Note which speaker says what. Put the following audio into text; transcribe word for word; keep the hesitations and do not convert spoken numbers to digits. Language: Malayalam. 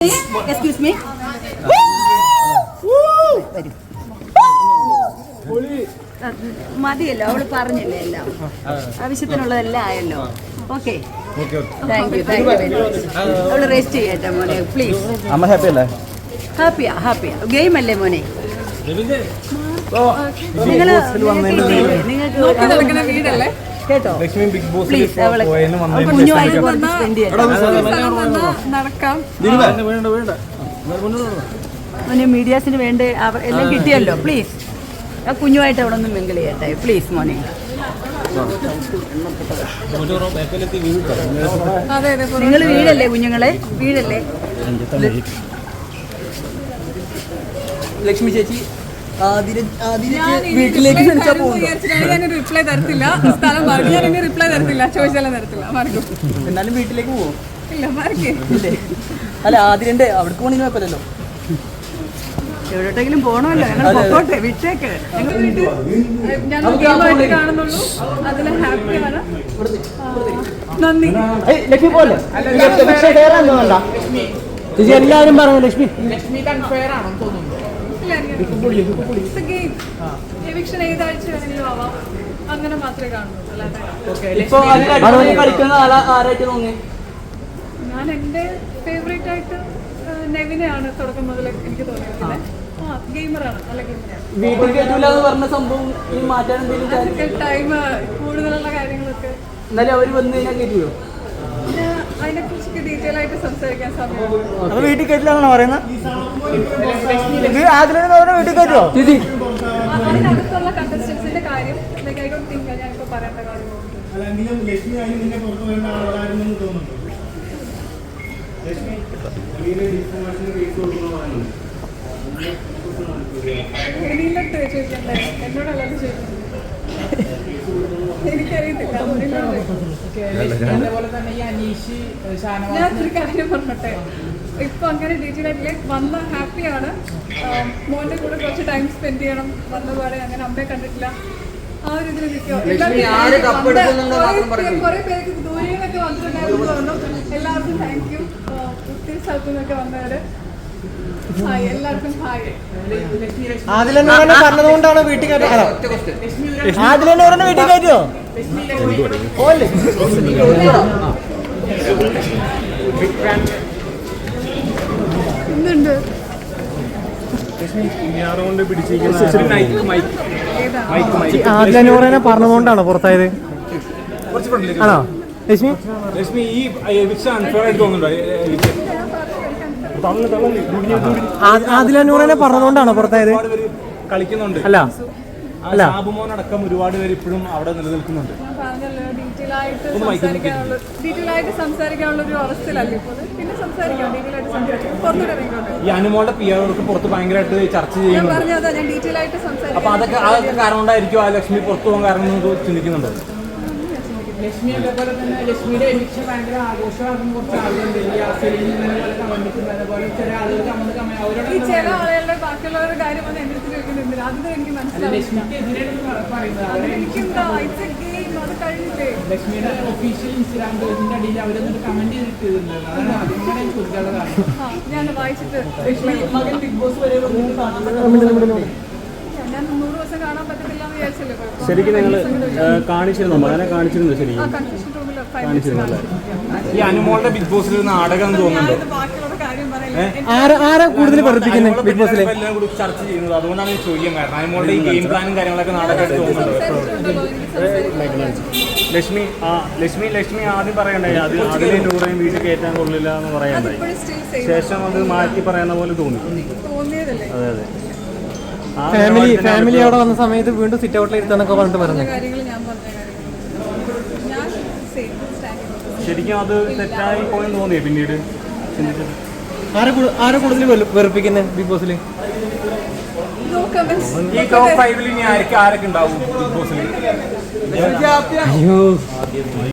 Speaker 1: Excuse me. മതിയല്ലോ, അവള് പറഞ്ഞില്ലേ എല്ലാം, ആവശ്യത്തിനുള്ളതെല്ലാം ആയല്ലോ. Okay, thank you thank you very much. അവള് റെസ്റ്റ് ചെയ്യട്ടെ മോനെ, പ്ലീസ്.
Speaker 2: അമ്മ ഹാപ്പി അല്ലേ?
Speaker 1: ഹാപ്പിയാ ഹാപ്പിയാ. ഗെയിം അല്ലേ മോനെ? നിങ്ങള് നിങ്ങൾക്ക് വീടല്ലേ കേട്ടോ? പ്ലീസ് അവളെ കുഞ്ഞുമായിട്ട് കുറച്ച് സ്പെൻഡ് ചെയ്യാം. മീഡിയാസിന് വേണ്ടി എല്ലാം കിട്ടിയല്ലോ. പ്ലീസ് ആ കുഞ്ഞുമായിട്ട് അവിടെ ഒന്ന് മിങ്കിൾ ചെയ്യട്ടെ പ്ലീസ് മോനെ. നിങ്ങൾ വീടല്ലേ കുഞ്ഞുങ്ങളെ? വീടല്ലേ
Speaker 2: ലക്ഷ്മി ചേച്ചി വീട്ടിലേക്ക്
Speaker 3: ഞാൻ റിപ്ലൈ തരത്തില്ല. സ്ഥലം പറഞ്ഞു ഞാൻ ഇനി റിപ്ലൈ തരത്തില്ല, ചോദിച്ചാലും തരത്തില്ല. മറക്കും.
Speaker 2: എന്നാലും വീട്ടിലേക്ക് പോവോ?
Speaker 3: ഇല്ല, മറക്കേ.
Speaker 2: അല്ല ആദ്യന്റെ അവിടെ പോകണമെങ്കിൽ കുഴപ്പമില്ലല്ലോ.
Speaker 1: എവിടോട്ടെങ്കിലും പോകണമല്ലോ, ഞങ്ങൾ പൊക്കോട്ടെ, വിട്ടേക്ക്.
Speaker 3: ഞാൻ ഗെയിമായിട്ട് കാണുന്നുള്ളൂ, അതിൽ ഹാപ്പിയാണ്. നന്ദി.
Speaker 2: ലക്ഷ്മി പോലെ ചേച്ചി എല്ലാവരും പറഞ്ഞു ലക്ഷ്മി
Speaker 3: എവിക്ഷൻ ഏതാഴ്ച വേണമെങ്കിലും ആവാം, അങ്ങനെ മാത്രമേ കാണുന്നുള്ളൂ. ഞാൻ എൻ്റെ ഫേവറേറ്റ് ആയിട്ട് നെവിനെയാണ് തുടക്കം മുതൽ എനിക്ക് തോന്നിയത്. ആ ഗെയിമറാണ്, നല്ല ഗെയിമറാണ്. അതൊക്കെ ടൈം കൂടുതലുള്ള കാര്യങ്ങളൊക്കെ അതിനെ കുറിച്ചൊക്കെ ഡീറ്റെയിൽ ആയിട്ട് സംസാരിക്കാൻ സമയം.
Speaker 2: വീട്ടിൽ കയറ്റിലാണോ പറയുന്നത്?
Speaker 3: അതിനടുത്തുള്ള കണ്ടസ്റ്റൻസിന്റെ കാര്യം ഐ ഡോണ്ട് തിങ്ക് ഞാനിപ്പോ പറയേണ്ട കാര്യങ്ങളുണ്ട്. എനിക്കിട്ട് ചോദിക്കണ്ടേ, എന്നോടല്ലാതെ ചോദിക്കുന്നത്. എനിക്കറിയത്തില്ല. ഞാനൊരു കാര്യം പറഞ്ഞോട്ടെ, ഇപ്പൊ അങ്ങനെ ഡീറ്റെയിൽ ആയിട്ടില്ല. വന്ന ഹാപ്പിയാണ്, മോന്റെ കൂടെ കുറച്ച് ടൈം സ്പെൻഡ് ചെയ്യണം. വന്നപാടെ അങ്ങനെ അമ്മയെ കണ്ടിട്ടില്ല, ആ ഒരു ഇതിൽ നിൽക്കുക. കുറെ പേർക്ക് ദൂരെ നിന്നൊക്കെ വന്നിട്ടുണ്ടായിരുന്നു പറഞ്ഞു. എല്ലാവർക്കും താങ്ക് യു. ഒത്തിരി സ്ഥലത്തു നിന്നൊക്കെ വന്നവര് ഹായ്, എല്ലാവർക്കും ഹായ്.
Speaker 2: പറഞ്ഞതുകൊണ്ടാണ് വീട്ടിൽ കയറ്റോ? വീട്ടിൽ കയറ്റോ?
Speaker 3: ഇന്നുണ്ട്
Speaker 2: ആദിലൂറനെ പറഞ്ഞതുകൊണ്ടാണോ പുറത്തായത്? ആണോ ലക്ഷ്മി?
Speaker 4: ലക്ഷ്മി ഈ അൺഫെയർ ആയിട്ട് തോന്നുന്നുണ്ടോ?
Speaker 2: ആദിലൂറനെ പറഞ്ഞതുകൊണ്ടാണോ പുറത്തായത്?
Speaker 4: കളിക്കുന്നുണ്ട്
Speaker 2: അല്ല അല്ല,
Speaker 4: സാബുമോനടക്കം ഒരുപാട് പേര് ഇപ്പോഴും അവിടെ നിലനിൽക്കുന്നുണ്ട്.
Speaker 3: ഞാൻ പറഞ്ഞല്ലോ, ഡീറ്റെയിൽ ആയിട്ട് സംസാരിക്കാനുള്ള ഡീറ്റെയിൽ ആയിട്ട് സംസാരിക്കാനുള്ള ഒരു അവസ്ഥയിലല്ലേ ഇപ്പോൾ. പിന്നെ സംസാരിക്കാം, ഡീറ്റെയിൽ ആയിട്ട് സംസാരിക്കാം. പുറത്തോട്ട് ഇറങ്ങിക്കോട്ടെ.
Speaker 4: ഈ അനുമോളുടെ പി ആർക്ക് പുറത്ത് ഭയങ്കരമായിട്ട് ചർച്ച
Speaker 3: ഞാൻ
Speaker 4: ചെയ്യുന്നുണ്ട്.
Speaker 3: പറഞ്ഞതാ, ഞാൻ ഡീറ്റെയിൽ ആയിട്ട് സംസാരിക്കാം.
Speaker 4: അപ്പൊ അതൊക്കെ അതൊക്കെ കാരണം കൊണ്ടായിരിക്കും ആ ലക്ഷ്മി പുറത്തു പോകാൻ കാരണം എന്ന് ചിന്തിക്കുന്നുണ്ടോ?
Speaker 5: ലക്ഷ്മി അതേപോലെ തന്നെ ലക്ഷ്മിയുടെ എവിക്ഷൻ ഭയങ്കര ആഘോഷമാകുന്ന കുറച്ച് ആളുകളുണ്ട്.
Speaker 3: ഈ ചില ആളുകളുടെ ബാക്കിയുള്ളവരുടെ കാര്യം വന്ന് എന്റെ അടുത്ത് ചോദിക്കുന്നുണ്ട്. അത് എനിക്ക് മനസ്സിലാവില്ല. എനിക്കെന്താ ഇറ്റ്സ് എ ഗെയിം, അത് കഴിഞ്ഞില്ലേ.
Speaker 5: ലക്ഷ്മിയുടെ ഒഫീഷ്യൽ ഇൻസ്റ്റാഗ്രാം പേജിന്റെ അടിയിൽ അവരൊന്ന് കമന്റ് ചെയ്തിട്ടുണ്ട്. അതാണ് അതിങ്ങനെ ചോദിക്കാനുള്ള കാരണം.
Speaker 3: ഞാൻ വായിച്ചിട്ട്
Speaker 5: മകൻ ബിഗ് ബോസ് വരെ
Speaker 3: ഞാൻ നൂറ് ദിവസം കാണാൻ പറ്റത്തില്ല എന്ന് വിചാരിച്ചല്ലേ.
Speaker 4: ശരിക്കും നിങ്ങൾ കാണിച്ചിരുന്നു, മകനെ കാണിച്ചിരുന്നു? ശരിക്കും കാണിച്ചിരുന്നല്ലേ? ഈ അനുമോളുടെ ബിഗ് ബോസിൽ ഒരു നാടകം തോന്നുന്നുണ്ടോ?
Speaker 3: ബാക്കിയുള്ള കാര്യം
Speaker 2: ആരാ കൂടുതൽ പഠിപ്പിക്കുന്നത് ബിഗ് ബോസിൽ?
Speaker 4: എല്ലാം കൂടി ചർച്ച ചെയ്യുന്നത്, അതുകൊണ്ടാണ് ചോദിക്കാൻ കാരണം. അനുമോളുടെ ഈ ഗെയിം പ്ലാനും കാര്യങ്ങളൊക്കെ നാടകമായിട്ട് തോന്നുന്നുണ്ടോ? ലക്ഷ്മി ആ ലക്ഷ്മി ലക്ഷ്മി ആദ്യം പറയണ്ടേ, അത് അതിലെ നൂറേയും വീട്ടിൽ കയറ്റാൻ കൊള്ളില്ല എന്ന് പറയണ്ടായി. ശേഷം അത് മാറ്റി പറയുന്ന പോലെ തോന്നി.
Speaker 3: തോന്നിയതല്ലേ?
Speaker 4: അതെ അതെ.
Speaker 2: ഫാമിലി ഫാമിലി അവിടെ വന്ന സമയത്ത് വീണ്ടും സിറ്റ് ഔട്ടിൽ ഇരുത്താന്നൊക്കെ പറഞ്ഞിട്ട് പറഞ്ഞു.
Speaker 4: ശരിക്കും അത് തെറ്റായി പോയെന്ന് തോന്നിയേ പിന്നീട് ചിന്തിച്ചത്?
Speaker 2: ആരെ കൂടുതൽ വെറുപ്പിക്കുന്നത് ബിഗ് ബോസിൽ?
Speaker 4: ഈ ടോപ്പ് ഫൈവിൽ ഇനി ആരൊക്കെ ആരൊക്കെ ഉണ്ടാവും ബിഗ് ബോസിൽ?
Speaker 2: അയ്യോ